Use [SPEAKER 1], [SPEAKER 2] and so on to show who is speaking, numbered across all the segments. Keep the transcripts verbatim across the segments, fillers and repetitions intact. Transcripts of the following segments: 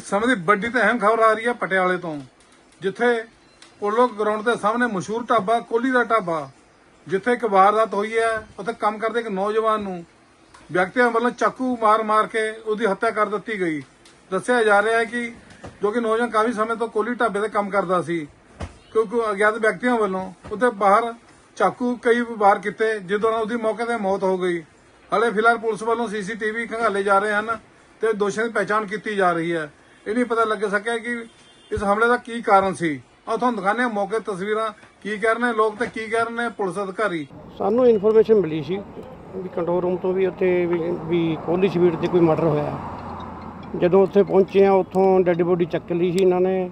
[SPEAKER 1] ਇਸ ਸਮੇਂ ਦੀ ਵੱਡੀ ਤੇ ਅਹਿਮ ਖਬਰ ਆ ਰਹੀ ਹੈ ਪਟਿਆਲੇ ਤੋਂ, ਜਿੱਥੇ ਪੋਲੋ ਗਰਾਊਂਡ ਦੇ ਸਾਹਮਣੇ ਮਸ਼ਹੂਰ ਢਾਬਾ ਕੋਹਲੀ ਦਾ ਢਾਬਾ, ਜਿੱਥੇ ਇੱਕ ਵਾਰਦਾਤ ਹੋਈ ਹੈ। ਉੱਥੇ ਕੰਮ ਕਰਦੇ ਇੱਕ ਨੌਜਵਾਨ ਨੂੰ ਵਿਅਕਤੀਆਂ ਵੱਲੋਂ ਚਾਕੂ ਮਾਰ-ਮਾਰ ਕੇ ਉਹਦੀ ਹੱਤਿਆ ਕਰ ਦਿੱਤੀ ਗਈ। ਦੱਸਿਆ ਜਾ ਰਿਹਾ ਹੈ ਕਿ ਜੋ ਕਿ ਨੌਜਵਾਨ ਕਾਫੀ ਸਮੇਂ ਤੋਂ ਕੋਹਲੀ ਢਾਬੇ ਤੇ ਕੰਮ ਕਰਦਾ ਸੀ, ਕਿਉਂਕਿ ਅਗਿਆਤ ਵਿਅਕਤੀਆਂ ਵੱਲੋਂ ਉਹਦੇ ਬਾਹਰ ਚਾਕੂ ਕਈ ਵਾਰ ਕੀਤੇ, ਜਿਸ ਦੌਰਾਨ ਉਹਦੀ ਮੌਕੇ ਤੇ ਮੌਤ ਹੋ ਗਈ। ਹਾਲੇ ਫਿਲਹਾਲ ਪੁਲਿਸ ਵੱਲੋਂ ਸੀਸੀਟੀਵੀ ਖੰਗਾਲੇ ਜਾ ਰਹੇ ਹਨ ਤੇ ਦੋਸ਼ੀਆਂ ਦੀ ਪਹਿਚਾਣ ਕੀਤੀ ਜਾ ਰਹੀ ਹੈ। ਇਹ ਨਹੀਂ ਪਤਾ ਲੱਗ ਸਕਿਆ ਕਿ ਇਸ ਹਮਲੇ ਦਾ ਕੀ ਕਾਰਨ ਸੀ। ਆਓ ਤੁਹਾਨੂੰ ਦਿਖਾਉਂਦੇ ਹਾਂ ਮੌਕੇ ਤਸਵੀਰਾਂ, ਕੀ ਕਹਿ ਰਹੇ ਨੇ ਲੋਕ ਤੇ ਕੀ ਕਹਿ ਰਹੇ ਨੇ ਪੁਲਿਸ ਅਧਿਕਾਰੀ।
[SPEAKER 2] ਸਾਨੂੰ ਇਨਫੋਰਮੇਸ਼ਨ ਮਿਲੀ ਸੀ ਵੀ ਕੰਟਰੋਲ ਰੂਮ ਤੋਂ ਵੀ ਉੱਥੇ ਵੀ ਕੋਹਲੀ ਸਵੀਟ ਤੇ ਕੋਈ ਮਰਡਰ ਹੋਇਆ। ਜਦੋਂ ਉੱਥੇ ਪਹੁੰਚੇ ਆ, ਉੱਥੋਂ ਡੈੱਡ ਬੋਡੀ ਚੱਕ ਲਈ ਸੀ ਇਹਨਾਂ ਨੇ,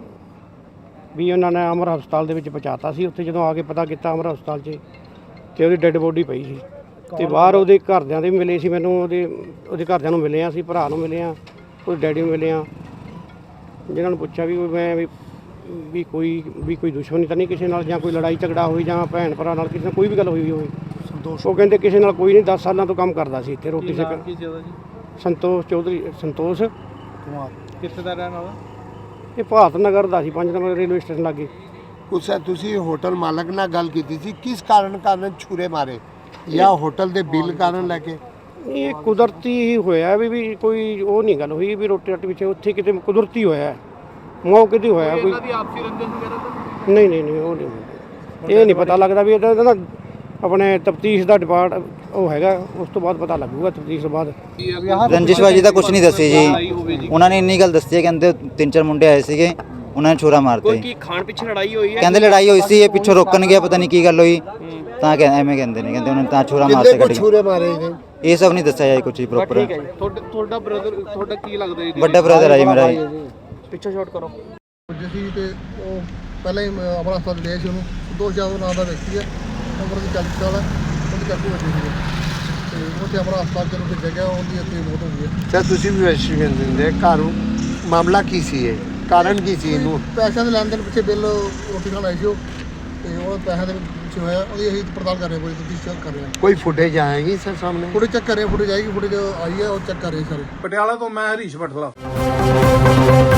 [SPEAKER 2] ਵੀ ਉਹਨਾਂ ਨੇ ਅਮਰ ਹਸਪਤਾਲ ਦੇ ਵਿੱਚ ਪਹੁੰਚਾਤਾ ਸੀ। ਉੱਥੇ ਜਦੋਂ ਆ ਕੇ ਪਤਾ ਕੀਤਾ ਅਮਰ ਹਸਪਤਾਲ 'ਚ, ਤੇ ਉਹਦੀ ਡੈੱਡ ਬੋਡੀ ਪਈ ਸੀ। ਤੇ ਬਾਹਰ ਉਹਦੇ ਘਰਦਿਆਂ ਦੇ ਵੀ ਮਿਲੇ ਸੀ, ਮੈਨੂੰ ਉਹਦੇ ਉਹਦੇ ਘਰਦਿਆਂ ਨੂੰ ਮਿਲੇ ਆ, ਅਸੀਂ ਭਰਾ ਨੂੰ ਮਿਲੇ ਆ, ਉਹਦੇ ਡੈਡੀ ਨੂੰ ਮਿਲੇ ਆ। ਜਿਹਨਾਂ ਨੂੰ ਪੁੱਛਿਆ ਵੀ ਮੈਂ ਵੀ ਵੀ ਕੋਈ ਵੀ ਕੋਈ ਦੁਸ਼ਮਣੀ ਤਾਂ ਨਹੀਂ ਕਿਸੇ ਨਾਲ, ਜਾਂ ਕੋਈ ਲੜਾਈ ਝਗੜਾ ਹੋਈ, ਜਾਂ ਭੈਣ ਭਰਾ ਨਾਲ ਕਿਸੇ ਨਾਲ ਕੋਈ ਵੀ ਗੱਲ ਹੋਈ ਹੋਵੇ। ਸੰਤੋਸ਼ ਉਹ ਕਹਿੰਦੇ ਕਿਸੇ ਨਾਲ ਕੋਈ ਨਹੀਂ, ਦਸ ਸਾਲਾਂ ਤੋਂ ਕੰਮ ਕਰਦਾ ਸੀ ਇੱਥੇ ਰੋਟੀ ਸੇਕ। ਸੰਤੋਸ਼ ਚੌਧਰੀ, ਸੰਤੋਸ਼
[SPEAKER 3] ਕੁਮਾਰ। ਕਿੱਥੇ ਦਾ ਰਹਿਣ ਵਾਲਾ?
[SPEAKER 2] ਇਹ ਭਾਰਤ ਨਗਰ ਦਾ ਸੀ, ਪੰਜ ਨੰਬਰ ਰੇਲਵੇ ਸਟੇਸ਼ਨ ਲਾਗੇ।
[SPEAKER 4] ਕੁਛ ਤੁਸੀਂ ਹੋਟਲ ਮਾਲਕ ਨਾਲ ਗੱਲ ਕੀਤੀ ਸੀ, ਕਿਸ ਕਾਰਨ ਕਾਰਨ ਛੁਰੇ ਮਾਰੇ, ਜਾਂ ਹੋਟਲ ਦੇ ਬਿੱਲ ਕਾਰਨ ਲੈ ਕੇ?
[SPEAKER 2] ਇਹ ਕੁਦਰਤੀ ਹੀ ਹੋਇਆ ਵੀ ਵੀ ਕੋਈ ਉਹ ਨਹੀਂ ਗੱਲ ਹੋਈ ਵੀ ਰੋਟੀ ਰਾਟੀ ਪਿੱਛੇ, ਉੱਥੇ ਕਿਤੇ ਕੁਦਰਤੀ ਹੋਇਆ, ਮੌਕੇ ਤੇ ਹੋਇਆ। ਕੋਈ
[SPEAKER 3] ਆਪਸੀ ਰੰਜਨ ਵਗੈਰਾ ਤਾਂ
[SPEAKER 2] ਨਹੀਂ ਨਹੀਂ ਨਹੀਂ ਉਹ ਨਹੀਂ, ਇਹ ਨਹੀਂ ਪਤਾ ਲੱਗਦਾ ਵੀ ਇਹਦਾ ਨਾ ਆਪਣੇ ਤਫਤੀਸ਼ ਦਾ ਡਿਪਾਰਟ ਉਹ ਹੈਗਾ, ਉਸ ਤੋਂ ਬਾਅਦ ਪਤਾ ਲੱਗੂਗਾ ਤਫਤੀਸ਼ ਤੋਂ ਬਾਅਦ।
[SPEAKER 5] ਰੰਜਿਸ਼ਬਾਜੀ ਦਾ ਕੁਝ ਨਹੀਂ ਦੱਸੀ ਜੀ, ਉਹਨਾਂ ਨੇ ਇੰਨੀ ਗੱਲ ਦੱਸੀ ਹੈ, ਕਹਿੰਦੇ ਤਿੰਨ ਚਾਰ ਮੁੰਡੇ ਆਏ ਸੀਗੇ, ਉਹਨਾਂ ਨੇ ਛੁਰਾ ਮਾਰਤੇ।
[SPEAKER 2] ਕੀ ਖਾਣ ਪਿੱਛੇ ਲੜਾਈ ਹੋਈ ਹੈ?
[SPEAKER 5] ਕਹਿੰਦੇ ਲੜਾਈ ਹੋਈ ਸੀ, ਇਹ ਪਿੱਛੋਂ ਰੋਕਣ ਗਿਆ, ਪਤਾ ਨਹੀਂ ਕੀ ਗੱਲ ਹੋਈ, ਤਾਂ ਕਹਿੰਦੇ ਐਵੇਂ ਕਹਿੰਦੇ ਨੇ, ਕਹਿੰਦੇ ਉਹਨਾਂ ਨੇ ਤਾਂ ਛੁਰਾ ਮਾਰਤੇ ਗੱਡੀ।
[SPEAKER 4] ਛੁਰੇ ਮਾਰੇ ਨੇ
[SPEAKER 5] ਇਹ ਸਭ ਨਹੀਂ ਦੱਸਿਆ ਜੀ ਕੁਝ ਹੀ ਪ੍ਰੋਪਰ।
[SPEAKER 3] ਤੁਹਾਡਾ ਬ੍ਰਦਰ, ਤੁਹਾਡਾ ਕੀ ਲੱਗਦਾ ਜੀ?
[SPEAKER 5] ਵੱਡਾ ਬ੍ਰਦਰ ਹੈ ਜੀ ਮੇਰਾ ਜੀ।
[SPEAKER 2] ਪਿੱਛੇ ਸ਼ਾਟ ਕਰੋ
[SPEAKER 6] ਜੀ। ਤੇ ਉਹ ਪਹਿਲਾਂ ਹੀ ਅਮਰ ਹਸਪਤਾਲ ਲਿਆ ਸੀ ਉਹਨੂੰ। ਦੋਸ਼ ਜਾਦਵ ਨਾਂ ਦਾ ਵਿਅਕਤੀ ਹੈ, ਉਮਰ ਦੀ ਚਾਲੀ ਸਾਲ ਹੈ, ਉਹਦੀ ਚਾਕੂ ਵੱਜੀ ਸੀ ਤੇ ਉੱਥੇ ਅਮਰ ਹਸਪਤਾਲ ਚ ਉਹਨੂੰ ਭੇਜਿਆ ਗਿਆ, ਉਹਦੀ ਇੱਥੇ ਮੌਤ ਹੋ ਗਈ ਹੈ।
[SPEAKER 4] ਤਾਂ ਤੁਸੀਂ ਵੀ ਵੈਸਟੀਗੇਸ਼ਨ ਦਿੰਦੇ ਘਰ ਮਾਮਲਾ ਕੀ ਸੀ, ਇਹ ਕਾਰਨ ਕੀ ਸੀ? ਇਹਨੂੰ
[SPEAKER 6] ਪੈਸਿਆਂ ਦੇ ਲੈਣ ਦੇਣ ਪਿੱਛੇ ਬਿੱਲ ਰੋਟੀ ਖਾਣ ਆਈ ਸੀ ਉਹ, ਤੇ ਉਹ ਪੈਸਿਆਂ ਦੇ ਪਿੱਛੇ ਹੋਇਆ। ਉਹਦੀ ਅਸੀਂ ਪੜਤਾਲ ਕਰ ਰਹੇ ਹਾਂ, ਕੋਈ ਤਫਤੀਸ਼ ਚੈੱਕ ਕਰ ਰਹੇ ਹਾਂ।
[SPEAKER 4] ਕੋਈ ਫੁਟੇਜ ਆਏਗੀ ਸਰ ਸਾਹਮਣੇ?
[SPEAKER 6] ਫੁਟੇਜ ਚੈੱਕ ਕਰ ਰਹੇ ਹਾਂ, ਫੁਟੇਜ ਆਏਗੀ, ਫੁਟੇਜ ਆਈ ਹੈ ਉਹ ਚੈੱਕ ਕਰ ਰਹੇ ਸਾਰੇ।
[SPEAKER 1] ਪਟਿਆਲਾ ਤੋਂ ਮੈਂ ਹਰੀਸ਼ ਬਠਲਾ।